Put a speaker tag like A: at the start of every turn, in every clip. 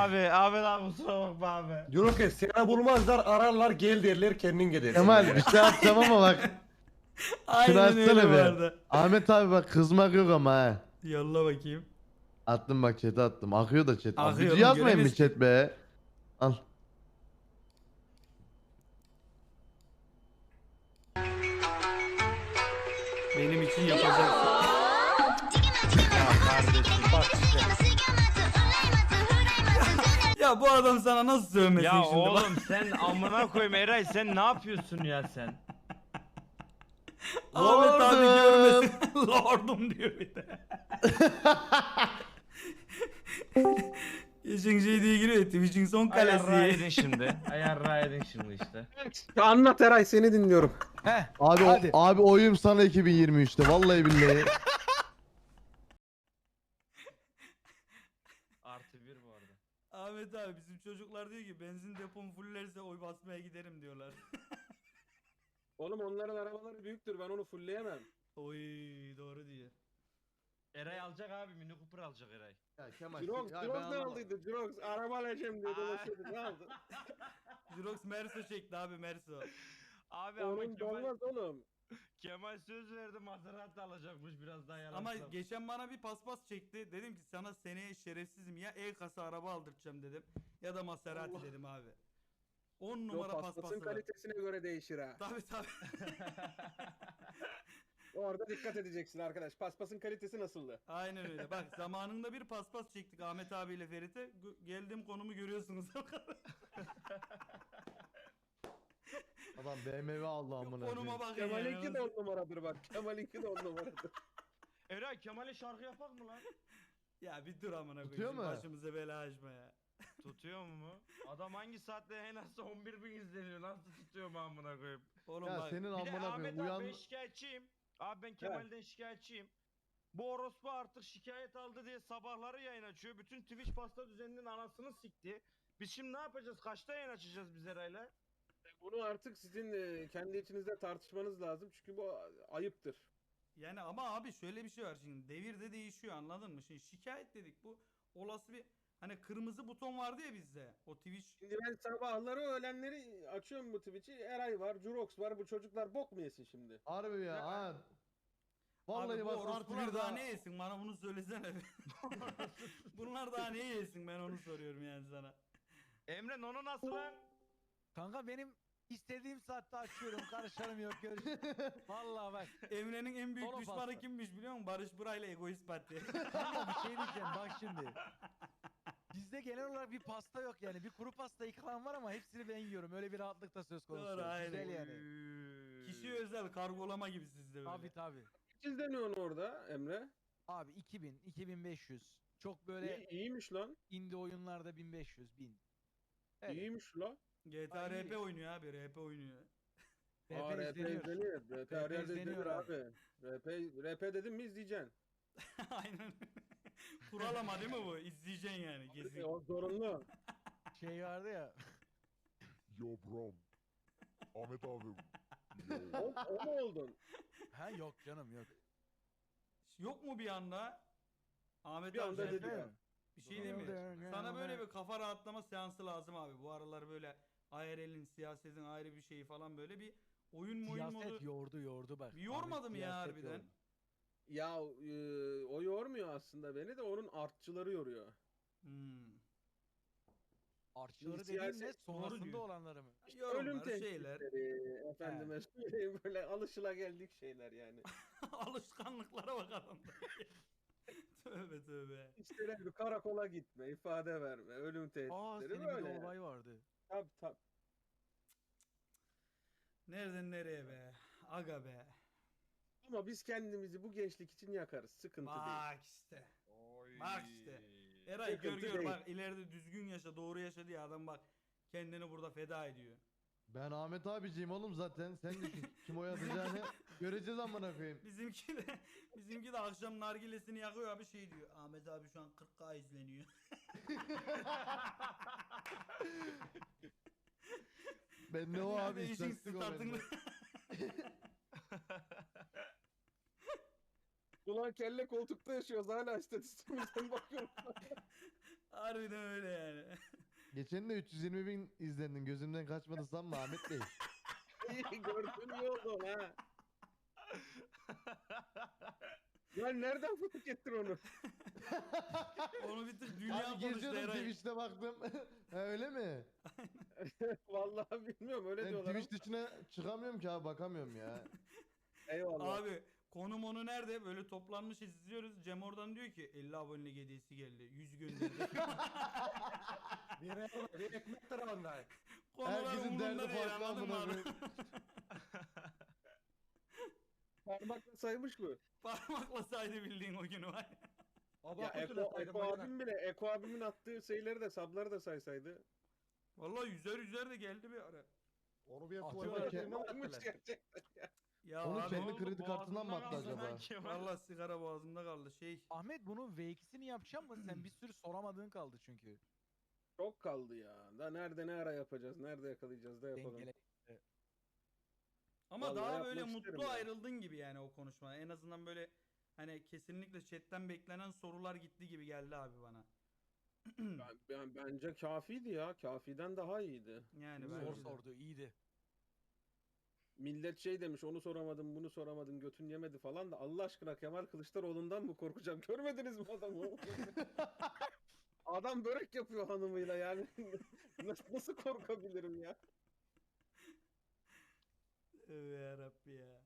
A: abi kusura bakma abi.
B: Diyorum ki seni bulmazlar ararlar gel derler kendin gidersin.
C: Kemal bir şey atacağım ama bak. Şunu
D: Aynen öyle
C: açsana
D: bu
C: bir.
D: arada.
C: Ahmet abi bak kızmak yok ama ha.
D: Yolla bakayım.
C: Attım bak chat'e attım. Akıyor da chat.
D: Akıyor
C: Video
D: oğlum,
C: yazmayın mı
D: göremez ki.
C: chat be? Al.
D: Benim için yapacak. Ya bu adam sana nasıl sövmesin
A: Ya
D: şimdi bak.
A: oğlum sen amına koyayım Eray sen ne yapıyorsun ya sen?
D: Ahmet abi
C: Lordum.
D: görmesin. Lordum diyor bir de. Geçen şey diye giriyor Twitch'in son
A: Ayarra
D: kalesi.
A: edin şimdi. Ayarra edin şimdi işte.
B: Anlat Eray seni dinliyorum.
C: Abi
E: Hadi.
C: abi oyum sana 2023'te vallahi billahi.
A: Artı bir bu arada.
D: Ahmet abi bizim çocuklar diyor ki benzin depom fullerse oy basmaya giderim diyorlar.
B: Oğlum onların arabaları büyüktür ben onu fullleyemem.
D: Oy doğru diyor.
A: Eray alacak abi Mini Cooper alacak Eray.
C: Ya Kemal.
B: Jirox
C: ya ben
B: ne
C: anlamadım.
B: aldıydı? Jirox araba alacağım diye dolaşıyordu ne aldı?
D: Jirox Merso çekti abi Merso.
A: Abi ama
B: Onun dolmaz oğlum.
A: Kemal söz verdi Maserati alacakmış biraz daha yalan.
D: Ama geçen bana bir paspas çekti. Dedim ki sana seneye şerefsizim ya E-kasa araba aldıracağım dedim. Ya da Maserati
B: Allah.
D: dedim abi. 10
B: Yo,
D: numara
B: paspasın
D: paspası var.
B: kalitesine göre değişir ha.
D: Tabi tabi.
B: Orada dikkat edeceksin arkadaş. Paspasın kalitesi nasıldı?
D: Aynen öyle. Bak zamanında bir paspas çektik Ahmet abiyle Ferit'e. Geldiğim konumu görüyorsunuz.
C: Adam BMW aldı amına.
D: Konuma
C: koyayım.
D: bakın
B: Kemal'inki
D: yani.
B: de 10 numaradır bak. Kemal'inki de 10 numaradır.
A: Eray Kemal'e şarkı yapak mı lan?
D: Ya bir dur amına
C: Tutuyor
D: koyayım.
C: mu?
D: Başımıza bela açma ya.
A: Tutuyor mu? Adam hangi saatte en az 11.000 izleniyor nasıl tutuyor mu amına koyayım?
D: Oğlum
C: Ya
D: bak.
C: senin
A: Bir de
C: amına
A: Ahmet
C: koyayım
A: abi ben
C: uyan.
A: şikayetçiyim. Abi ben Kemal'den şikayetçiyim. Bu orospu artık şikayet aldı diye sabahları yayın açıyor. Bütün Twitch pasta düzeninin anasını sikti. Biz şimdi ne yapacağız? Kaçta yayın açacağız biz Eray'la?
B: Bunu artık sizin kendi içinizde tartışmanız lazım. Çünkü bu ayıptır.
D: Yani ama abi şöyle bir şey var şimdi. Devir de değişiyor anladın mı? Şimdi şikayet dedik bu olası bir hani kırmızı buton vardı ya bizde. O Twitch.
B: Şimdi ben sabahları öğlenleri açıyorum bu Twitch'i. Eray var, Jurox var. Bu çocuklar bok mu yesin şimdi?
C: Harbi ya. Ha. Vallahi
D: Abi bu
C: bak artı
D: orospular
C: bir
D: daha
C: daha.
D: ne yesin bana bunu söylesene. Bunlar daha ne yesin ben onu soruyorum yani sana.
A: Emre Nono nasıl lan?
E: Kanka benim istediğim saatte açıyorum. Karışarım yok görüşürüz. Vallahi bak.
D: Emre'nin en büyük
E: Solo
D: düşmanı
E: pasta.
D: kimmiş biliyor musun? Barış Buray'la Egoist Parti.
E: Kanka bir şey diyeceğim bak şimdi. Bizde genel olarak bir pasta yok yani. Bir kuru pasta ikram var ama hepsini ben yiyorum. Öyle bir rahatlık da söz konusu.
D: Doğru, aynen.
E: Güzel yani.
D: Kişi özel kargolama gibi sizde böyle.
E: Tabi tabi.
B: Siz deniyorsun orada Emre.
E: Abi 2000, 2500. Çok böyle
B: İyiymiş lan.
E: indie oyunlarda 1500, 1000. Evet.
B: İyiymiş lan.
D: GTA
E: Ay,
D: RP oynuyor abi RP oynuyor.
B: Aa,
E: RP
B: RP
E: izleniyor.
B: izleniyor. RP her yerde
E: izleniyor
B: izlenir
E: abi.
B: abi. RP dedim mi izleyeceksin.
D: Aynen. Kural ama değil mi bu? İzleyeceksin yani kesin.
B: O zorunlu.
E: Şey vardı ya.
F: Yo bro. Ahmet abi.
B: O mu oldun?
E: Ha yok canım yok.
D: Yok mu bir anda? Ahmet
B: Bir
D: abi
B: anda
D: sen-
B: dedi ya.
D: bir şey değil mi? Sana böyle bir kafa rahatlama seansı lazım abi. Bu aralar böyle IRL'in, siyasetin ayrı bir şeyi falan böyle bir oyun
E: Siyaset
D: modu.
E: yordu bak.
D: Bir yormadı
E: Abi,
D: mı ya
E: siyaset
D: harbiden?
E: yordu.
B: Ya o yormuyor aslında beni de onun artçıları yoruyor.
D: Hmm.
E: Artçıları
B: Şimdi
E: dediğin ne?
B: siyaset
E: Sonrasında
D: diyor.
E: olanları mı?
D: Yorumlar,
B: Ölüm
D: şeyler.
B: tehditleri, efendime söyleyeyim böyle alışılageldik şeyler yani.
D: Alışkanlıklara bak adamda. Tövbe tövbe.
B: İşte ne bir karakola gitme, ifade verme, ölüm
E: Aa
B: tehditleri
E: senin bir
B: böyle.
E: de
B: yani.
E: olay vardı.
B: Tabii.
D: Nereden nereye be? Aga be.
B: Ama biz kendimizi bu gençlik için yakarız. Sıkıntı değil.
D: Bak işte. Bak işte. Eray
B: Sıkıntı
D: gör
B: değil.
D: bak ileride düzgün yaşa doğru yaşa diye adam bak kendini burada feda ediyor.
C: Ben Ahmet abiciyim oğlum zaten. Sen düşün. Kim oy atacağını göreceğiz amına koyayım.
D: Bizimki de akşam nargilesini yakıyor abi şey diyor. Ahmet abi şu an 40K izleniyor.
C: Ben ne o abi
D: işin
C: istatistik o
D: statını.
C: bende.
B: Ulan kelle koltukta yaşıyoruz hala istatistiğimizden bakıyorum.
D: Harbiden öyle yani.
C: Geçen de 320 bin izlendin. Gözümden kaçmadı sanma Ahmet Bey.
B: Gördün iyi oldu ha. Lan nereden fark ettin onu?
D: Onu bir tık dünya
C: Abi
D: konuştu
C: geziyordum
D: Eray.
C: Twitch'te baktım. Ha, öyle mi?
B: Vallahi bilmiyorum öyle
C: Ben
B: diyorlar.
C: Twitch dışına çıkamıyorum ki abi, bakamıyorum ya.
B: Eyvallah.
D: Abi konum onu nerede? Böyle toplanmış izliyoruz. Cem oradan diyor ki 50 abonelik hediyesi geldi. 100 gönderdi.
E: Bir ekmek tarafından.
D: Konular
C: Herkesin derdi
D: umurunda değil
C: farklı
D: anladın mı
C: amına
D: abi?
C: koyayım.
B: Parmakla saymış mı?
D: Parmakla saydı bildiğin o günü var.
B: Ya Eko abim bile, Eko abimin attığı şeyleri de, sabları da saysaydı.
D: Vallahi yüzer de geldi bir ara.
F: Onu bir
E: Atıyorlar
F: yapıp
E: ki-
B: Varmış gerçekten.
D: Ya
C: Onu
D: abi
C: kendi
A: oldu?
C: kredi kartından mı attı
A: Boğazından
C: acaba?
A: kaldı Kemal.
D: vallahi sigara boğazımda kaldı.
E: Ahmet bunun V2'sini yapacağım mı? Sen bir sürü soramadığın kaldı çünkü.
B: Çok kaldı ya. Da nerede ne ara yapacağız, nerede yakalayacağız da yapalım.
E: Dengele.
D: Ama
B: Vallahi
D: daha
B: yapmak
D: böyle
B: isterim
D: mutlu
B: ya.
D: ayrıldın gibi yani o konuşma. En azından böyle hani kesinlikle chatten beklenen sorular gitti gibi geldi abi bana.
B: Bence kafiydi ya. Kafiden daha iyiydi.
D: Yani
E: Zor
D: bence de.
E: sordu, iyiydi.
B: Millet şey demiş, onu soramadım, bunu soramadım, götün yemedi falan da Allah aşkına Kemal Kılıçdaroğlu'ndan mı korkacağım? Görmediniz mi adamı? Adam börek yapıyor hanımıyla yani. Nasıl korkabilirim ya?
D: Evet yarabbi ya.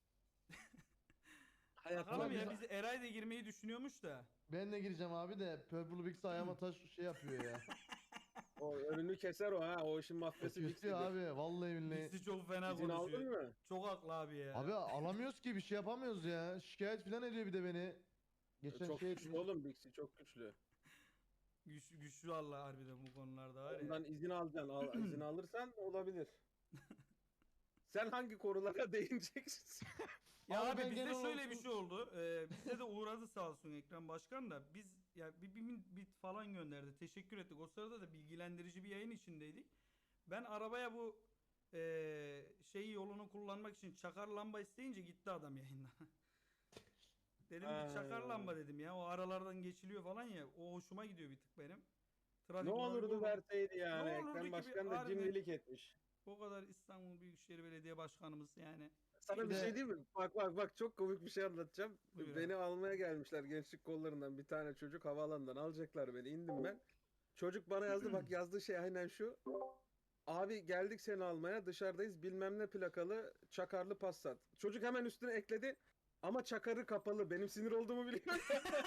B: Hayatta
D: Bakalım
C: biz-
D: ya biz Eray da girmeyi düşünüyormuş da.
C: Ben de gireceğim abi de Purple Bix ayağıma taş şey yapıyor ya.
B: o önünü keser o ha. O işin mafyası
C: Kesiyor abi vallahi billahi.
D: Birisi çok fena
B: İzin aldın
D: konuşuyor.
B: mı?
D: Çok haklı abi ya.
C: Abi alamıyoruz ki, bir şey yapamıyoruz ya. Şikayet falan ediyor bir de beni. Geçen
B: Çok
C: şey
B: güçlü oğlum Bixi, çok güçlü.
D: Güçlü Allah harbiden bu konularda var ya.
B: Ondan izin alacaksın. İzin alırsan olabilir. Sen hangi konulara değineceksin?
D: Ya
C: Abi
D: abi
C: ben
D: bizde
C: genel
D: şöyle
C: olarak-
D: bir şey oldu. Bizde de uğradı sağ olsun Ekrem Başkan da. Biz ya bir bit falan gönderdi. Teşekkür ettik. O sırada da bilgilendirici bir yayın içindeydik. Ben arabaya bu şey yolunu kullanmak için çakar lamba isteyince gitti adam yayından. Dedim bir çakar
B: Ha.
D: lamba dedim ya. O aralardan geçiliyor falan ya. O hoşuma gidiyor bir tık benim. Trafik
B: Ne
D: muhabiri
B: olurdu
D: oldum.
B: verseydi yani.
D: Ne olurdu ki
B: Ekrem
D: bir
B: Başkan da
D: harbiden-
B: cimrilik etmiş.
D: O kadar İstanbul Büyükşehir Belediye Başkanımız yani.
B: Sana
C: Bir
B: bir
C: de-
B: şey diyeyim mi? Bak çok komik bir şey anlatacağım.
D: Buyur
B: Beni
D: abi.
B: almaya gelmişler gençlik kollarından bir tane çocuk havaalanından alacaklar beni. İndim ben. Çocuk bana yazdı, bak yazdığı şey aynen şu. Abi geldik seni almaya, dışarıdayız, bilmem ne plakalı çakarlı Passat. Çocuk hemen üstüne ekledi. Ama çakarı kapalı. Benim sinir olduğumu biliyor.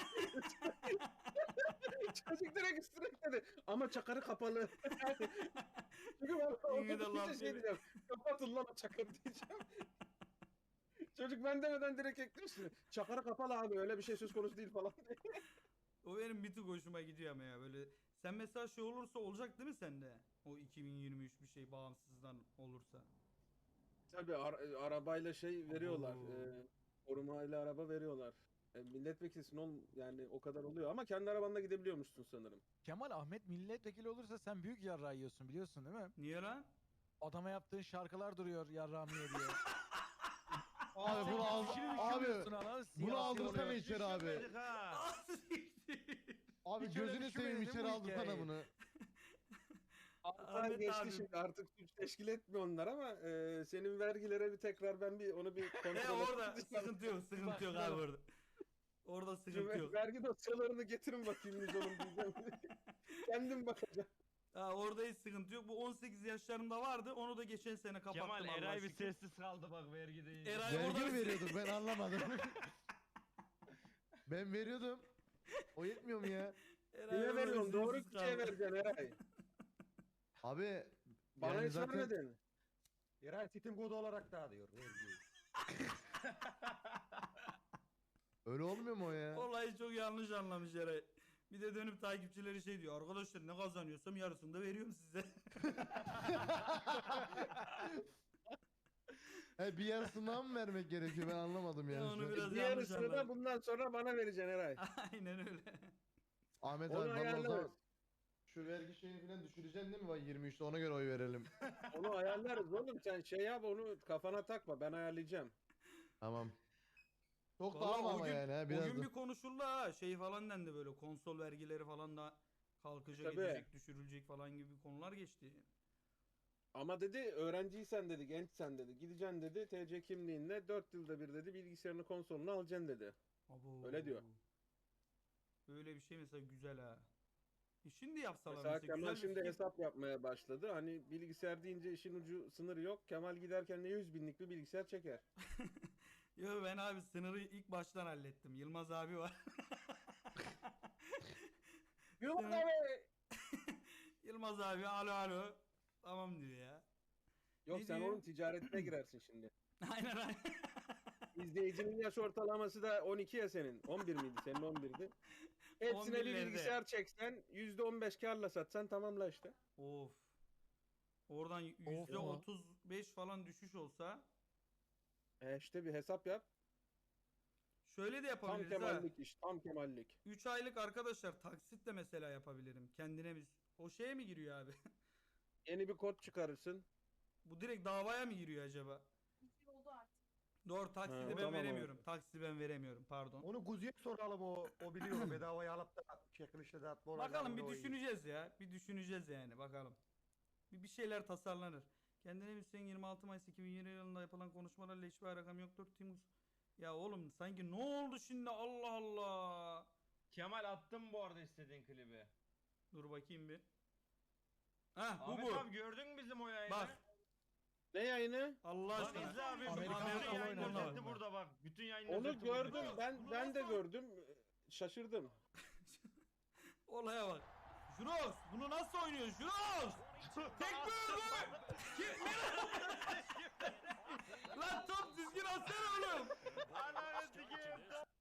B: Çocuk direkt üstüne ekledi. Ama çakarı kapalı. Çünkü ben
D: İyi de
B: orada
D: laf
B: bir şey
D: yedi.
B: diyeceğim. Kapatın lan o çakarı diyeceğim. Çocuk ben demeden direkt eklemiş. Çakarı kapalı abi, öyle bir şey söz konusu değil falan.
D: O benim bir tık hoşuma gidiyor ama ya böyle. Sen mesela şey olursa olacak değil mi sende? O 2023 bir şey bağımsızdan olursa.
B: Tabii arabayla şey veriyorlar.
D: Oo.
B: Korumayla araba veriyorlar. Milletvekilisin yani o kadar oluyor ama kendi arabanla gidebiliyormuşsun sanırım.
E: Kemal Ahmet milletvekili olursa sen büyük yarrağı yiyorsun biliyorsun değil mi?
D: Niye lan?
E: Adama yaptığın şarkılar duruyor yarrağımı ye diye.
C: Abi bunu al abi bunu aldırsana içeri abi.
A: Düşünmedik ha.
C: Abi
E: Hiç öyle
C: gözünü seveyim
E: düşünmedim
C: içeri
E: bu
C: aldırsana
E: hikayeyi.
C: bunu.
B: Artık geçti
D: abi.
B: şimdi, artık suç teşkil etmiyor onlar ama senin vergilere bir tekrar ben onu bir kontrol
D: Orada
B: edeceğim.
D: sıkıntı yok, sıkıntı yok abi orada. Orada sıkıntı yok.
B: Vergi dosyalarını getirin bakayım biz onun diyeceğim. Kendim bakacağım.
D: Ha, orada hiç sıkıntı yok. Bu 18 yaşlarımda vardı. Onu da geçen sene kapattım.
A: Kemal
D: Allah'a
A: Eray bir
D: şükür.
A: sessiz kaldı bak vergi deyince.
D: Eray
C: Vergi
D: orada
C: mi
D: bir-
C: veriyorduk ben anlamadım. Ben veriyordum. O yetmiyor mu ya?
D: Eray
B: Kime
D: orada
B: veriyorsun? Doğru
D: sessiz
B: kişiye
D: kaldı.
B: vereceksin Eray.
C: Abi
B: Bana
C: yani
B: hiç
C: zaten
B: vermedin.
G: Eray Sitim kodu olarak dağılıyor vergiyi.
C: öyle olmuyor mu o ya?
D: Olayı çok yanlış anlamış Eray. Bir de dönüp takipçileri şey diyor. Arkadaşlar ne kazanıyorsam yarısını da veriyorum size.
C: He, bir yarısından mı vermek gerekiyor, ben anlamadım yani.
D: Onu
C: şu an.
D: biraz yanlış
B: Diğerisini de
D: anladım.
B: bundan sonra bana vereceksin Eray.
D: Aynen öyle.
C: Ahmet
B: Onu
C: abi vallahi o
B: ayarlarız.
C: zaman şu vergi şeyini falan düşüreceksin değil mi? Bak 23'te ona göre oy verelim.
B: Onu ayarlarız oğlum, sen şey yap, onu kafana takma, ben ayarlayacağım.
C: Tamam. Çok da
D: Vallahi
C: alma
D: o
C: ama
D: gün-
C: yani ha
D: O
C: biraz
D: gün
C: da.
D: bir konuşuldu ha. Şey falan dendi böyle konsol vergileri falan da Kalkacak,
B: Tabii.
D: edecek, düşürülecek falan gibi konular geçti.
B: Ama dedi öğrenciysen dedi, gençsen dedi, gideceksin dedi, TC kimliğinle 4 yılda bir dedi bilgisayarını konsolunu alacaksın dedi.
D: Abo.
B: Öyle diyor.
D: Böyle bir şey mesela güzel ha. Şimdi yapsalar
B: Mesela
D: mesela
B: Kemal
D: güzel bir
B: şimdi
D: fikir.
B: hesap yapmaya başladı. Hani bilgisayar deyince işin ucu sınırı yok. Kemal giderken de 100 binlik bir bilgisayar çeker.
D: Yo ben abi sınırı ilk baştan hallettim. Yılmaz abi var.
B: Yılmaz
D: Sınır-
B: abi!
D: Yılmaz abi alo alo. Tamam diyor ya.
B: Yok
D: Ne
B: sen
D: diyor?
B: onun ticaretine girersin şimdi.
D: Aynen aynen.
B: İzleyicinin yaş ortalaması da 12 ya senin. 11 miydi? Senin 11'di. Hepsine bir
D: 11'lerde.
B: bilgisayar çeksen %15 karla satsan tamamla işte.
D: Of. Oradan %35 falan düşüş olsa
B: İşte bir hesap yap.
D: şöyle de
B: Tam
D: yapabiliriz ha.
B: Kemallik iş. Tam Kemallik.
D: 3 aylık arkadaşlar taksit de mesela yapabilirim. Kendine bir o şeye mi giriyor abi?
B: Yeni bir kod çıkarırsın.
D: Bu direkt davaya mı giriyor acaba? Doğru taksidi
B: Ha,
D: ben
B: tamam
D: veremiyorum. Taksidi ben veremiyorum pardon.
G: Onu Guzi'ye soralım o biliyor bedavaya alıp da çekilişle dağıtma olacağını
D: Bakalım bir
G: o iyi.
D: düşüneceğiz ya. Bir düşüneceğiz yani bakalım. Bir şeyler tasarlanır. Kendine Hüseyin 26 Mayıs 2020 yılında yapılan konuşmalarla hiçbir rakam yoktur. Timus. Ya oğlum sanki ne oldu şimdi Allah Allah.
A: Kemal attım bu arada istediğin klibi.
D: Dur bakayım bir. Hah bu
A: Ahmet
D: bu.
A: abi gördün mü bizim o yayını?
D: Bak
B: Ne yayını?
D: Allah
A: Bak
D: aşkına.
A: izle abi.
E: Amerikan
A: Bütün
E: futbolu
A: yayın
E: oynadı.
A: özeti burada bak. Bütün yayın
B: Onu
A: özeti burada.
B: gördüm. Ben de gördüm. Şaşırdım.
D: Olaya bak. Jurox bunu nasıl oynuyor Jurox? Tek böyle. Lan top düzgün atsana oğlum.
A: Ananı sikeyim.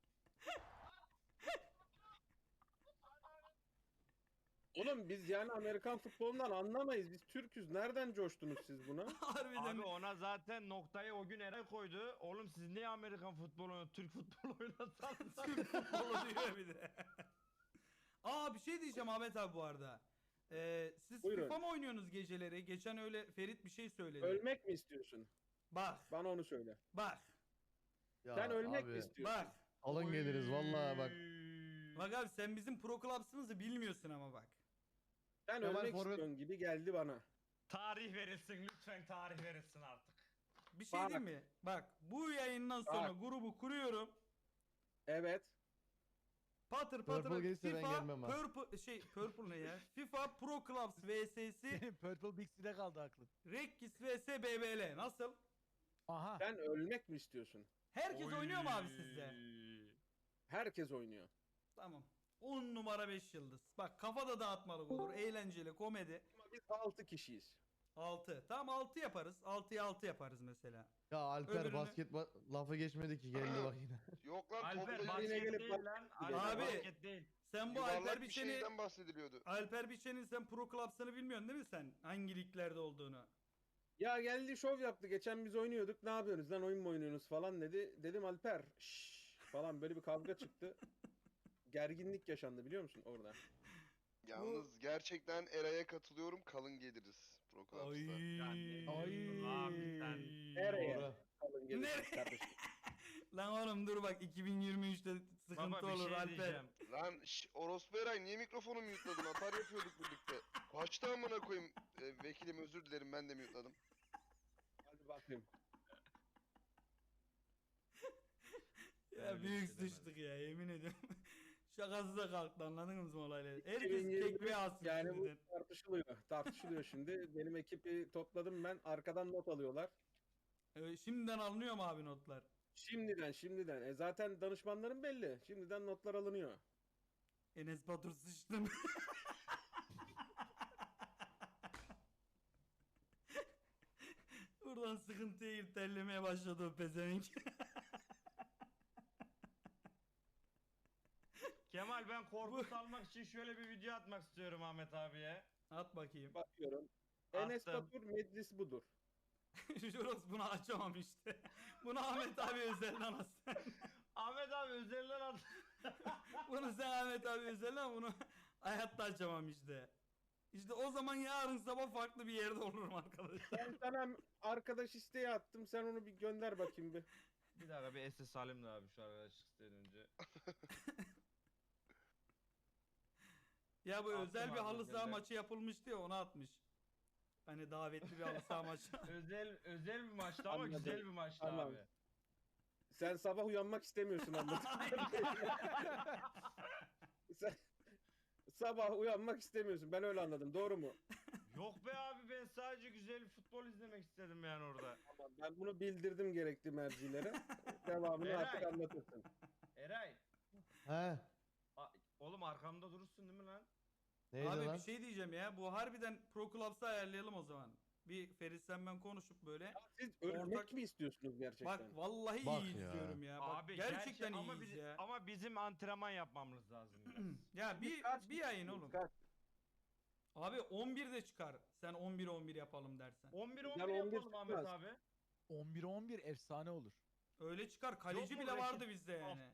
B: Oğlum biz yani Amerikan futbolundan anlamayız. Biz Türk'üz. Nereden coştunuz siz buna?
D: Harbiden.
A: Abi ona zaten noktayı o gün Eray koydu. Oğlum siz niye Amerikan futbolu oynuyorsunuz? Türk futbolu oynasanız.
D: Türk futbolu diyor bir de. Aa bir şey diyeceğim Ahmet abi bu arada. Siz
B: Buyurun.
D: FIFA mı oynuyorsunuz geceleri? Geçen öyle Ferit bir şey söyledi.
B: Ölmek mi istiyorsun?
D: Bak.
B: Bana onu söyle.
D: Bak.
C: Ya
B: Sen ölmek
C: abi,
B: mi istiyorsun?
D: Bak.
C: alın geliriz vallahi bak.
D: Bak abi sen bizim Pro Clubs'ımızı bilmiyorsun ama bak.
B: Sen
C: Kemal
B: ölmek
C: forvet-
B: istiyorsun gibi geldi bana.
A: Tarih verilsin lütfen tarih verilsin artık.
D: Bir şey
B: Bak.
D: diyeyim mi? Bak bu yayından sonra
B: Bak.
D: grubu kuruyorum.
B: Evet.
D: Patır
C: Purple
D: patır
C: gelirse ben
D: FIFA
C: gelmem ha.
D: Purple ne ya? FIFA Pro Clubs vs'si
E: Senin Purple Bixi'de kaldı aklın.
D: Rekkis vs BBL nasıl?
E: Aha.
B: Sen ölmek mi istiyorsun?
D: Herkes oynuyor mu abi sizde?
B: Herkes oynuyor.
D: Tamam. 10 numara 5 yıldız. Bak kafada dağıtmalık olur. Eğlenceli komedi.
B: Ama biz 6 kişiyiz.
D: 6. Tamam 6 yaparız. 6'ya 6 yaparız mesela.
C: Ya Alper
D: Öbürünü-
C: basket lafı geçmedi ki geldi bak yine.
H: Yok lan
A: Alper
H: toplayıcı
B: Yine
A: basket
B: gelip
A: değil
B: bak-
A: lan.
B: Abi.
A: Alper basket değil.
D: Sen bu Alper
H: yuvarlak bir
D: Biçen'i
H: şeyden bahsediliyordu.
D: Alper Biçen'in sen Pro Clubs'ını bilmiyorsun değil mi sen? Hangi liglerde olduğunu?
B: Ya geldi şov yaptı. Geçen biz oynuyorduk. Ne yapıyorsunuz lan oyun mu oynuyorsunuz falan dedi. Dedim Alper şşş falan böyle bir kavga çıktı. Gerginlik yaşandı biliyor musun orada?
H: Yalnız gerçekten Eray'a katılıyorum. Kalın geliriz Pro Clubs'ta.
A: Yani-
E: Ay.
A: Abi sen.
B: Nereye?
C: Doğru.
B: Kalın gelin
D: Nereye?
B: kardeşim.
D: Lan oğlum dur bak 2023'te sıkıntı
A: Baba bir
D: olur
A: şey
D: Alper.
A: diyeceğim.
H: Lan orospu Eray niye mikrofonu mute'ladın? Atar yapıyorduk birlikte. Kaçtı amına koyayım. Vekilim özür dilerim ben de mute'ladım.
B: Hadi bakayım.
D: Ya
A: Öyle bir
D: büyük
A: şey demedim.
D: sıçtık ya yemin ediyorum. Şakası da kalktı anladınız mı olayları? Herkes
B: 2021
D: tekme alsın
B: Yani bu
D: şimdiden.
B: tartışılıyor. Tartışılıyor şimdi. Benim ekibi topladım ben. Arkadan not alıyorlar.
D: Şimdiden alınıyor mu abi notlar?
B: Şimdiden. Zaten danışmanların belli. Şimdiden notlar alınıyor.
D: Enes Batur sıçtın. Buradan sıkıntıya girip terlemeye başladı o pezevenk.
A: Kemal ben korku salmak için şöyle bir video atmak istiyorum Ahmet abiye.
D: At bakayım.
B: Bakıyorum. Enes
A: Attım.
B: Batur meclis budur.
D: Juros bunu açamam işte. Bunu Ahmet abi özelden at sen.
A: Ahmet abi üzerinden at.
D: Bunu sen Ahmet abi özelden bunu hayatta açamam işte. İşte o zaman yarın sabah farklı bir yerde olurum arkadaşlar.
B: Ben sana arkadaş isteği attım. Sen onu bir gönder bakayım bir.
A: Bir dakika bir SS alayım da abi şu arkadaşlık isteğinden önce.
D: Ya bu
A: Attım
D: özel bir
A: abi
D: halı saha
A: özelden.
D: maçı yapılmıştı ya, ona atmış. Hani davetli bir halı saha maçı.
A: özel bir maçtı ama
B: Anladım.
A: güzel bir maçtı
B: Tamam.
A: abi.
B: Sen sabah uyanmak istemiyorsun anladın. Sen sabah uyanmak istemiyorsun. Ben öyle anladım. Doğru mu?
A: Yok be abi, ben sadece güzel bir futbol izlemek istedim yani orada.
B: Tamam. Ben bunu bildirdim gerekli mercilere. Devamını artık
A: Eray.
B: anlatırsın.
A: Eray.
C: He.
A: Oğlum arkamda durursun değil mi lan?
C: Neydi
D: Abi
C: lan?
D: bir şey diyeceğim ya. Bu harbiden Pro Clubs'ı ayarlayalım o zaman. Bir Ferit sen ben konuşup böyle.
B: Siz ölmek
D: Ortak-
B: mi istiyorsunuz gerçekten?
D: Bak vallahi
C: Bak
D: iyi
C: ya.
D: izliyorum ya. Bak,
A: Abi
D: gerçekten
A: ama
D: iyiyiz ya.
A: ama bizim antrenman yapmamız lazım biraz.
D: Ya bir yayın oğlum.
B: Kaç?
D: Abi 11'de çıkar. Sen 11 yapalım dersen.
A: 11
B: Ben
A: 11
B: 11
A: yapalım Ahmet
B: çıkmaz.
A: abi.
E: 11-11 efsane olur.
D: Öyle çıkar. Kaleci
A: mu
D: bile
A: rakip?
D: vardı bizde yani.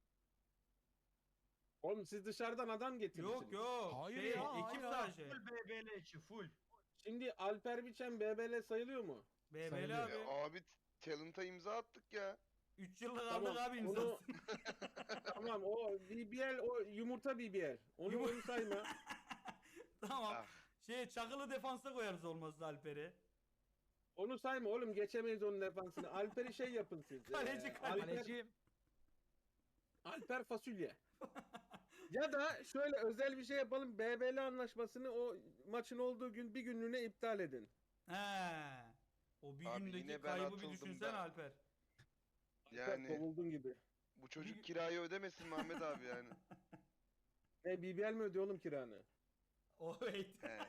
B: Oğlum siz dışarıdan adam getirirsiniz.
D: Yok yok.
E: Hayır
D: Şey,
E: ya,
D: ekip
E: hayır.
D: sadece.
A: Full BBL içi full.
B: Şimdi Alper Biçen BBL sayılıyor mu?
D: BBL
C: Sayılıyor.
D: abi.
H: Abi talent'a imza attık ya.
D: 3 yıllık
B: Tamam,
D: aldık abi
B: onu-
D: imzasını.
B: Tamam o BBL o yumurta BBL. Onu sayma.
D: Tamam.
H: Ah.
D: Çakılı defansa koyarız olmazsa Alper'i.
B: Onu sayma oğlum geçemeyiz onun defansını. Alper'i şey yapın siz.
D: Kaleci,
E: Kalecim.
B: Alper fasulye. Ya da şöyle özel bir şey yapalım. BBL anlaşmasını o maçın olduğu gün bir günlüğüne iptal edin.
D: He. O bir
H: Abi
D: gündeki
H: yine ben
D: kaybı bir
H: atıldım
D: düşünsene
H: da.
D: Alper.
B: Yani.
H: Yani
B: Kovuldun gibi.
H: bu çocuk kirayı ödemesin Mehmet abi yani.
B: BBL mi ödüyor oğlum kiranı?
D: O wait.
H: He.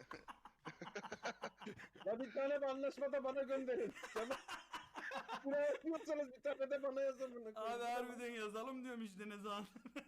B: Ya bir tane de anlaşmada bana gönderin. Tamam. Buraya yapıyorsanız bir tane de bana yazın bunu.
D: Abi harbiden yazalım diyorum işte ne zaman.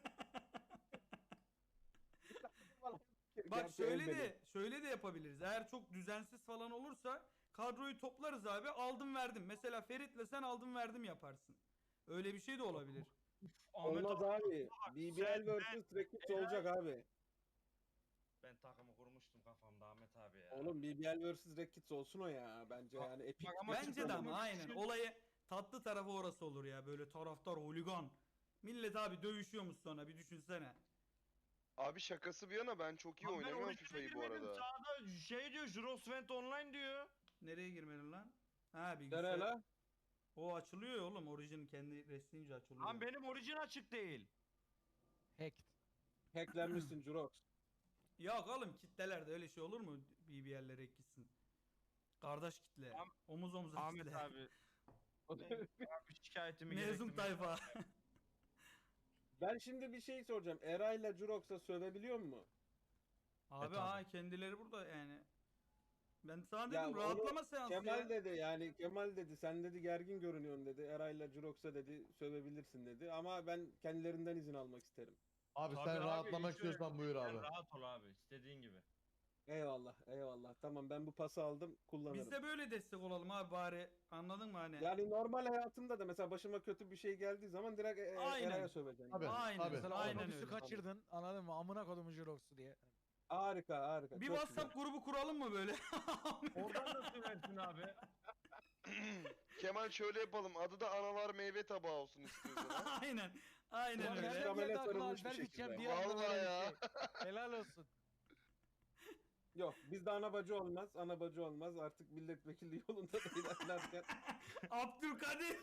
D: Bak
B: Gerçi
D: şöyle
B: el benim.
D: şöyle de yapabiliriz. Eğer çok düzensiz falan olursa kadroyu toplarız abi. Aldım verdim. Mesela Ferit'le sen aldım verdim yaparsın. Öyle bir şey de olabilir.
A: Ahmet
B: Olmaz abi. BBL vs. Rekit olacak abi.
A: Ben takımı kurmuştum kafamda Ahmet abi ya.
B: Oğlum BBL vs. Rekit olsun o ya. Bence yani epik.
A: Bak ama
B: bir
D: Bence de
B: çıkma
D: ama
B: olur.
D: aynen. Olayı tatlı tarafı orası olur ya. Böyle taraftar, holigan. Millet abi dövüşüyormuş sonra bir düşünsene.
H: Abi şakası bir yana ben çok iyi
A: Lan ben
H: oynamıyorum
A: orijine
H: FIFA'yı bu
A: girmedim,
H: arada.
A: sağda şey diyor, Jurosvent Online diyor.
D: Nereye girmedin lan? Ha
B: Nere
D: bilgisayar.
B: la?
D: O açılıyor ya oğlum. Origin kendi reslince açılıyor.
A: Lan benim orijin açık değil.
E: Hacked.
B: Hacklenmişsin Jurox.
D: Yok oğlum kitlelerde öyle şey olur mu? BBL'lere gitsin. Kardeş kitle. Omuz omuza
A: Ahmet
D: kitle.
A: abi. Abi şikayetimi
D: Mezun
A: gerektirmek-
D: tayfa.
B: Ben şimdi bir şey soracağım. Eray'la Jurox'a sövebiliyor mu?
D: Abi
E: tabii.
D: kendileri burada yani. Ben sana
B: Ya
D: dedim
B: onu
D: rahatlama seansı
B: Kemal
D: ya.
B: dedi yani Kemal dedi sen dedi gergin görünüyorsun dedi. Eray'la Jurox'a dedi sövebilirsin dedi. Ama ben kendilerinden izin almak isterim.
C: Abi
A: Tabii
C: sen
A: abi,
C: rahatlamak
A: hiç öyle
C: istiyorsan
A: değil.
C: buyur
A: Sen
C: abi.
A: rahat ol abi, istediğin gibi.
B: Eyvallah eyvallah. Tamam ben bu pası aldım kullanırım.
D: Biz de böyle destek olalım abi bari. Anladın mı hani?
B: Yani normal hayatımda da mesela başıma kötü bir şey geldiği zaman direkt
D: Aynen.
B: Eray'a söveceğim.
C: Tabii.
D: Aynen.
C: Tabii.
E: Mesela
D: Aynen
E: otobüsü
D: öyle.
E: kaçırdın. Anladın mı? Amına kodumun Jirox'u diye.
B: Harika harika.
D: Bir
B: çok
D: WhatsApp grubu kuralım mı böyle?
A: Oradan nasıl versin abi?
H: Kemal şöyle yapalım. Adı da analar meyve tabağı olsun istiyorsan. ha.
D: Aynen. Aynen
E: Ulan
D: öyle.
B: Karamele
E: nereden geldi aklına
B: sarılmış bir
E: Alper
B: şekilde.
E: Biçem diye anlamı
H: Vallahi
E: öyle bir
H: ya.
E: şey. Helal olsun.
B: güzel. Yok bizde ana bacı olmaz. Ana bacı olmaz. Artık milletvekili yolunda da ilerlerken.
D: Abdülkadir.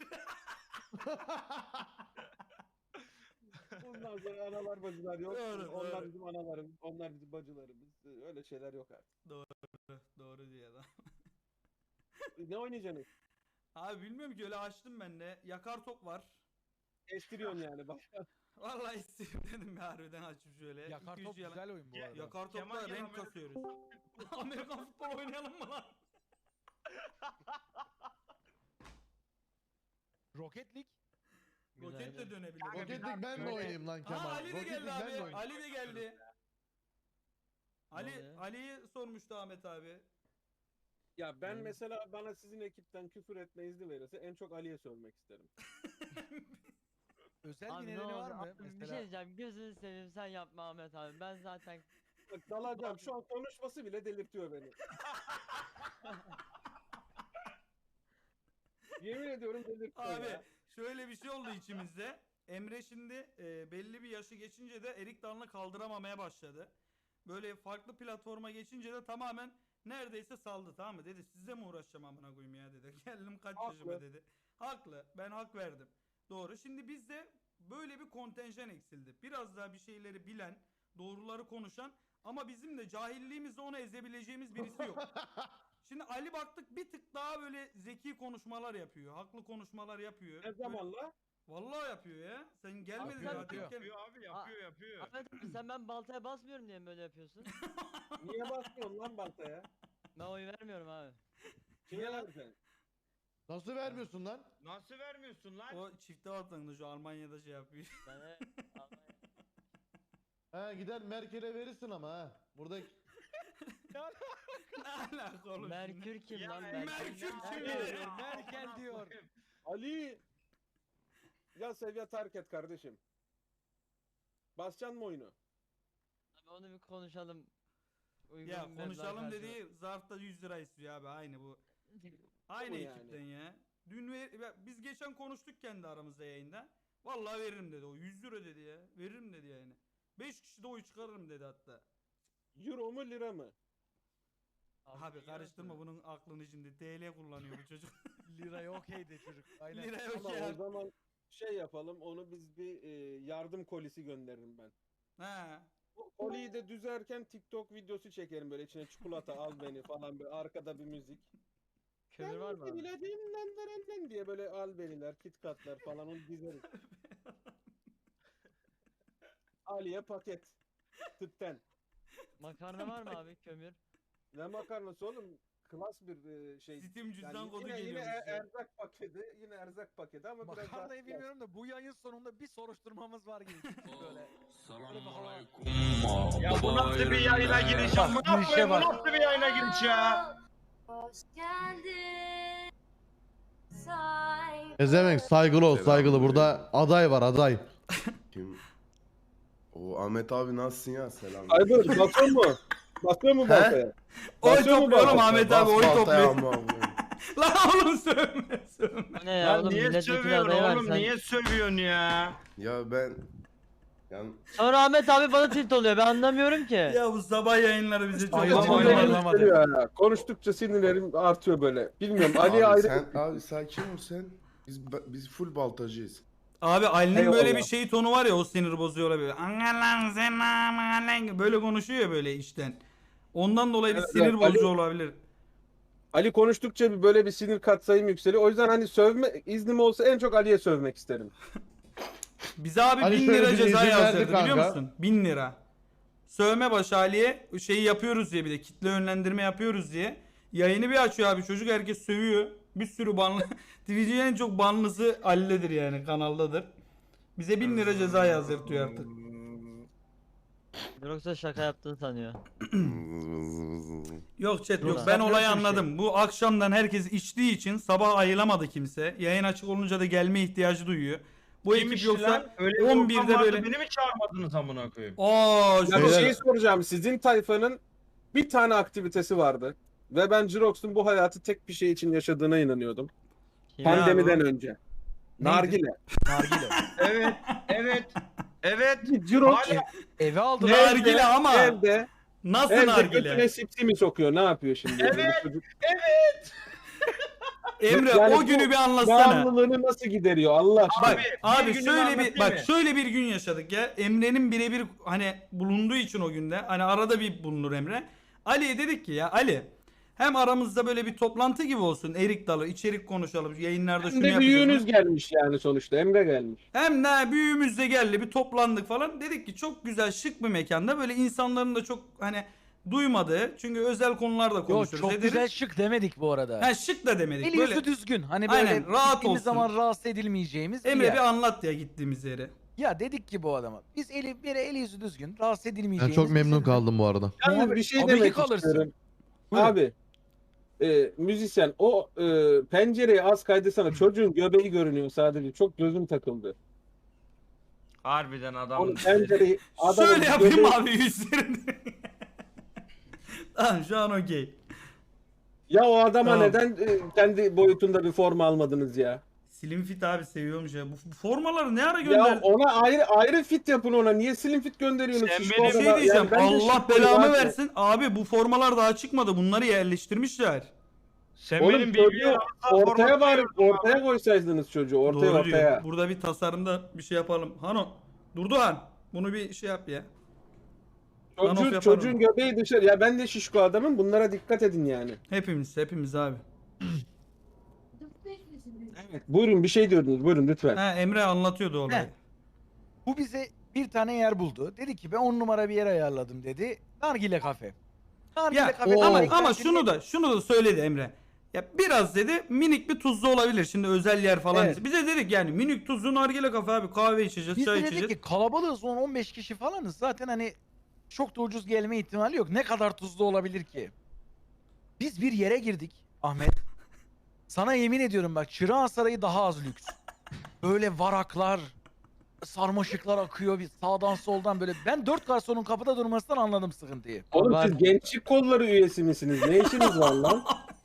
B: Bundan sonra analar bacılar yok.
D: Doğru,
B: Onlar
D: doğru.
B: bizim analarımız. Onlar bizim bacılarımız. Öyle şeyler yok artık.
D: Doğru diyor adam.
B: Ne oynayacaksınız?
D: Abi bilmiyorum ki öyle açtım ben de. Yakar top var.
B: Estiriyorsun yani. Bak.
D: Vallahi istedim dedim ya harbiden açıp şöyle.
E: Yakar
D: 2-3
E: top
D: yalan-
E: güzel oyun bu
A: Ya-
E: arada.
D: Yakar
A: Kemal
D: topla
A: gel
D: renk
A: Amerika-
D: kasıyoruz. Amerikan futbol oynayalım mı lan?
E: Rocket League.
D: Roket de dönebilir.
A: Kanka,
C: Rocket
A: bir
C: League ben de
A: dakika,
C: oynayayım lan Kemal.
D: Aa Ali de
C: Rocket
D: geldi
C: League ben
D: abi.
C: de oynayayım.
D: Ali de geldi. Ali
I: oluyor?
D: Ali'yi sormuştu Ahmet abi.
B: Ya ben mesela bana sizin ekipten küfür etme izni verirse en çok Ali'ye sövmek isterim.
E: Özel
I: Abi
E: bir
I: ne
E: nedeni
I: olur
E: var mı?
I: abi, bir şey
E: Mesela
I: diyeceğim, gözünü seveyim sen yapma Ahmet abi, ben zaten
B: Bak dalacağım şu an konuşması bile delirtiyor beni. Yemin ediyorum delirtiyor
D: Abi
B: ya.
D: şöyle bir şey oldu içimizde. Emre şimdi belli bir yaşı geçince de Erik Dalı'nı kaldıramamaya başladı. Böyle farklı platforma geçince de tamamen neredeyse saldı, tamam mı? Dedi sizle mi uğraşacağım amına koyayım ya dedi. Geldim kaç yaşıma dedi. Haklı. Ben hak verdim. Doğru. Şimdi bizde böyle bir kontenjan eksildi. Biraz daha bir şeyleri bilen, doğruları konuşan ama bizim de cahilliğimizle onu ezebileceğimiz birisi yok. Şimdi Ali baktık bir tık daha böyle zeki konuşmalar yapıyor. Haklı konuşmalar yapıyor.
B: Ne zamanla?
D: Vallahi yapıyor ya. Sen gelmedin
E: Yapıyor,
D: zaten.
E: yapıyor.
A: Yapıyor abi yapıyor.
I: Ahmet abi sen ben baltaya basmıyorum diye mi böyle yapıyorsun?
B: Niye basmıyorsun lan baltaya?
I: Ben oy vermiyorum abi.
B: Kime vereceksin?
C: Nasıl vermiyorsun lan?
A: Nasıl vermiyorsun lan?
D: O çifte vatandaşı şu Almanya'da şey yapıyor.
I: Ben de
C: He gider Merkel'e verirsin ama ha. Burada
D: Ne alaka oğlum?
I: Merkür kim
A: Ya,
I: lan?
D: Merkür kim
E: Merkel
D: ya?
E: diyor, Merkel diyor.
B: Ali! Ya seviye terk et kardeşim. Basacaksın mı oyunu?
I: Abi onu bir konuşalım. Uygun
D: Ya
I: bir meblağ
D: konuşalım
I: karşılığı.
D: dediği zarfta 100 lira istiyor abi aynı bu. Aynı
B: Bu yani.
D: ekipten ya. Dün biz geçen konuştuk kendi aramızda yayında. Vallahi veririm dedi o 100 lira dedi ya. Veririm dedi yani. 5 kişi de oy çıkarırım dedi hatta.
B: Euro mu lira mı?
D: Abi karıştırma bunun aklını şimdi. TL kullanıyor bu çocuk.
E: Liraya okeydi çocuk. Aynen.
D: Lira yok
B: Tamam
D: ya.
B: o zaman şey yapalım onu biz bir yardım kolisi gönderirim ben.
D: Ha.
B: O koliyi de düzerken TikTok videosu çekerim böyle içine çikolata al beni falan böyle arkada bir müzik.
I: Kömür var mı abi?
B: Lan diye böyle al beniler, KitKatlar falan onu dizeriz. Ali'ye paket. Tüpten.
I: Makarna var mı abi kömür?
B: Ne makarnası oğlum? Klas bir şey.
D: Steam cüzdan
B: Yani
D: kodu
B: yine
D: geliyormuş ya.
B: erzak paketi, yine erzak paketi ama biraz daha
E: Makarnayı
B: klas.
E: bilmiyorum da bu yayın sonunda bir soruşturmamız var gibi. Böyle.
A: Ya bu nasıl bir yayına giriş ya?
E: Bak,
A: Bu
E: girişe bak.
A: nasıl bir yayına giriş ya?
J: Hoş geldin. Say.
C: Ezemek saygılı ol saygılı. Burada aday var aday.
F: Kim? O Ahmet abi nasılsın ya? Selam.
B: Aybır basıyor mu? Basıyor mu baltaya?
D: Oy
B: Basıyor mu
D: topluyorum
B: baltaya?
D: Ahmet abi oy
F: Bas baltaya
D: topluyor.
F: ama.
D: Lan oğlum sövme sövme.
I: Bu ne ya
A: Ya
I: oğlum
A: niye
I: milletvekili
A: sövüyorsun
I: adayı var
A: oğlum?
I: sen.
A: Niye sövüyorsun ya?
F: Ya ben yani
I: Sonra Ahmet abi bana tilt oluyor ben anlamıyorum ki.
D: Ya bu sabah yayınları bize çok
E: Ayılamadı,
D: acı
B: Sinirlerim
D: geliyor.
E: ayılamadı.
B: yükseliyor ya. Konuştukça sinirlerim artıyor böyle. Bilmiyorum Ali'ye
F: abi
B: ayrı.
F: sen abi sakin ol sen. Biz full baltacıyız.
D: Abi Ali'nin
B: Eyvallah.
D: böyle bir şey tonu var ya o sinir bozuyor olabilir. Angalan sen amalan böyle konuşuyor ya böyle içten. Ondan dolayı bir
B: Evet,
D: sinir
B: evet,
D: bozucu
B: Ali-
D: olabilir.
B: Ali konuştukça bir böyle bir sinir katsayım yükseliyor. O yüzden hani sövme iznim olsa en çok Ali'ye sövmek isterim.
D: Bize abi
C: Ali
D: 1000
C: şöyle
D: lira
C: bir
D: ceza
C: izin verdi
D: yazdırdı biliyor
C: kanka.
D: musun? 1000 lira. Sövme başı Ali'ye şeyi yapıyoruz diye bir de kitle yönlendirme yapıyoruz diye. Yayını bir açıyor abi çocuk herkes sövüyor. Bir sürü banlı. Twitch'in en çok banlısı Ali'dedir yani kanaldadır. Bize 1000 lira ceza yazdırtıyor artık.
I: Yoksa şaka yaptığını sanıyor.
D: Yok chat yok
I: Ulan.
D: ben
E: Sen
D: olayı
E: nasıl bir şey?
D: anladım. Bu akşamdan herkes içtiği için sabah ayılamadı kimse. Yayın açık olunca da gelme ihtiyacı duyuyor. Bu ekip
A: Kimmiş
D: yoksa
A: lan? Öyle bir
D: 11'de
A: ortam vardı,
D: böyle-
A: Beni mi çağırmadınız amına koyayım?
D: aa
B: Ya bir
C: Beyler-
B: şey soracağım. Sizin tayfanın bir tane aktivitesi vardı. Ve ben Jirox'un bu hayatı tek bir şey için yaşadığına inanıyordum.
I: Kim
D: Ben-
B: Pandemiden
D: abi?
B: önce. Nargile.
E: Nargile.
A: Evet, evet, evet.
B: Jirox
A: Hala-
E: Eve aldı.
B: Nerede?
D: nargile ama
B: evde,
D: nasıl
B: evde
D: nargile?
B: götüne sipsimi sokuyor. Ne yapıyor şimdi?
A: Evet.
B: Bu çocuk
D: Emre
B: Yani
D: o
B: bu
D: günü bir anlatsana.
B: bağımlılığını nasıl gideriyor Allah aşkına?
D: Bak abi
A: gününü
D: şöyle bir
A: anlatayım
D: bak
A: mı?
D: şöyle bir gün yaşadık ya. Emre'nin birebir hani bulunduğu için o günde hani arada bir bulunur Emre. Ali'ye dedik ki ya Ali hem aramızda böyle bir toplantı gibi olsun. Erik dalı içerik konuşalım. Yayınlarda
B: Hem
D: şunu
B: de
D: yapacağız.
B: büyüğünüz gelmiş yani sonuçta. Emre gelmiş.
D: Hem de büyüğümüz de geldi bir toplandık falan. Dedik ki çok güzel şık bir mekanda böyle insanların da çok hani duymadığı çünkü özel konularda
E: Yok
D: konuşuruz.
E: çok
D: dedik.
E: güzel şık demedik bu arada.
D: Ha şık da demedik.
E: Eli
D: böyle
E: yüzü düzgün. Hani böyle
D: Aynen, rahat
E: gittiğimiz
D: olsun.
E: zaman rahatsız edilmeyeceğimiz
D: Emre
E: bir yer.
D: bir anlat ya gittiğimiz yeri.
E: Ya dedik ki bu adama. Biz eli yüzü düzgün. Rahatsız
C: Ben
E: edilmeyeceğimiz.
C: çok memnun
E: bizim-
C: kaldım bu arada.
B: Yalnız
E: Abi,
B: bir şey
E: tabii ki
B: demek
E: kalırsın.
B: istiyorum.
E: Buyurun.
B: Abi müzisyen o pencereyi az kaydırsana. Çocuğun göbeği görünüyor sadece. Çok gözüm takıldı.
A: Harbiden adam.
B: Onu pencereyi adamın
D: Şöyle yapayım
B: göbeği-
D: abi yüzlerinde. Tamam şu an okey.
B: Ya o adama
D: Tamam.
B: neden kendi boyutunda bir forma almadınız ya?
D: Slim Fit abi seviyormuş ya. Bu formaları ne ara
B: Ya
D: gönderdi?
B: ona ayrı fit yapın ona. Niye slim fit gönderiyorsunuz?
A: Sen
B: Şişko
A: benim
D: Bir şey
B: adama?
D: diyeceğim.
B: Yani ben de
D: Allah
B: şişkoyum
D: belamı
B: abi.
D: versin. Abi bu formalar daha çıkmadı. Bunları yerleştirmişler.
A: Sen
B: Oğlum
A: benim
B: çocuğu
A: bilgiye
B: ortaya bari ortaya koysaydınız çocuğu ortaya
D: Doğru
B: ortaya.
D: diyor. Burada bir tasarımda bir şey yapalım. Hano, Durduhan. Bunu bir şey yap ya. Anof yaparım.
B: Çocuğun göbeği dışarı. Ya ben de şişko adamım. Bunlara dikkat edin yani.
D: Hepimiz abi.
B: Evet. Buyurun bir şey diyordunuz. Buyurun lütfen.
D: Ha, Emre anlatıyordu olayı.
E: He. Bu bize bir tane yer buldu. Dedi ki ben 10 numara bir yer ayarladım dedi. Nargile kafe. Nargile
D: Ya
E: kafe.
D: ama şunu da söyledi Emre. Ya biraz dedi minik bir tuzlu olabilir. Şimdi özel yer falan.
E: Evet.
D: Bize dedik yani minik tuzlu nargile kafe abi, kahve içeceğiz,
E: Biz
D: çay
E: de dedik
D: içeceğiz.
E: ki kalabalığız 10-15 kişi falanız. Zaten hani çok da ucuz gelme ihtimali yok. Ne kadar tuzlu olabilir ki? Biz bir yere girdik Ahmet. Sana yemin ediyorum bak Çırağan Sarayı daha az lüks. Böyle varaklar, sarmaşıklar akıyor bir sağdan soldan böyle. Ben 4 garsonun kapıda durmasından anladım sıkıntıyı.
B: Oğlum siz gençlik kolları üyesi misiniz? Ne işiniz var lan?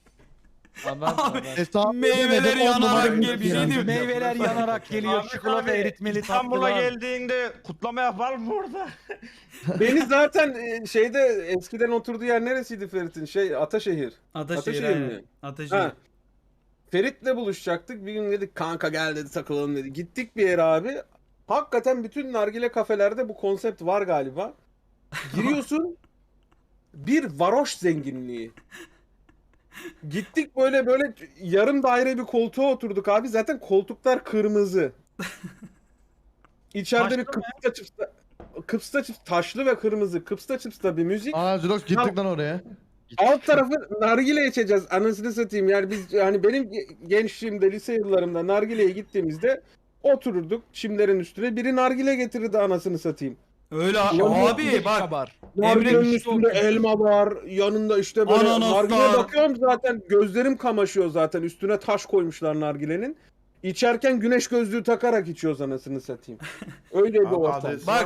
C: Hesabı
D: Meyveler
C: ödemeden 10
D: yanarak
C: numara
D: gel, bir şey
C: yani.
D: diyeyim.
E: Meyveler yanarak geliyor,
A: Ahmet
E: çikolata
A: abi,
E: eritmeli
A: İstanbul'a
E: tatlılar.
A: geldiğinde kutlama yapalım mı orada?
B: Beni zaten şeyde eskiden oturduğu yer neresiydi Ferit'in? Ataşehir.
D: Ataşehir
B: Ataşehir
D: aynen.
B: mi?
D: Ataşehir.
B: Ha. Ferit'le buluşacaktık. Bir gün dedik kanka gel dedi takılalım dedi. Gittik bir yere abi. Hakikaten bütün nargile kafelerde bu konsept var galiba. Giriyorsun bir varoş zenginliği. Gittik böyle yarım daire bir koltuğa oturduk abi. Zaten koltuklar kırmızı. İçeride bir kıpsta çıpsta taşlı ve kırmızı kıpsta çıpsta bir müzik.
C: Aa Zilox gittik lan oraya.
B: Alt tarafı nargile içeceğiz. Anasını satayım. Yani biz hani benim gençliğimde lise yıllarımda nargileye gittiğimizde otururduk çimlerin üstüne. Biri nargile getirirdi anasını satayım.
D: Öyle
B: Ulan
D: abi bak.
E: Kabar.
B: Nargilenin
D: Emre-
B: üstünde elma var. Yanında işte böyle
D: Ananaslar.
B: nargileye bakıyorum zaten gözlerim kamaşıyor zaten. Üstüne taş koymuşlar nargilenin. İçerken güneş gözlüğü takarak içiyoruz anasını satayım. Öyle bir ortam.
D: Bak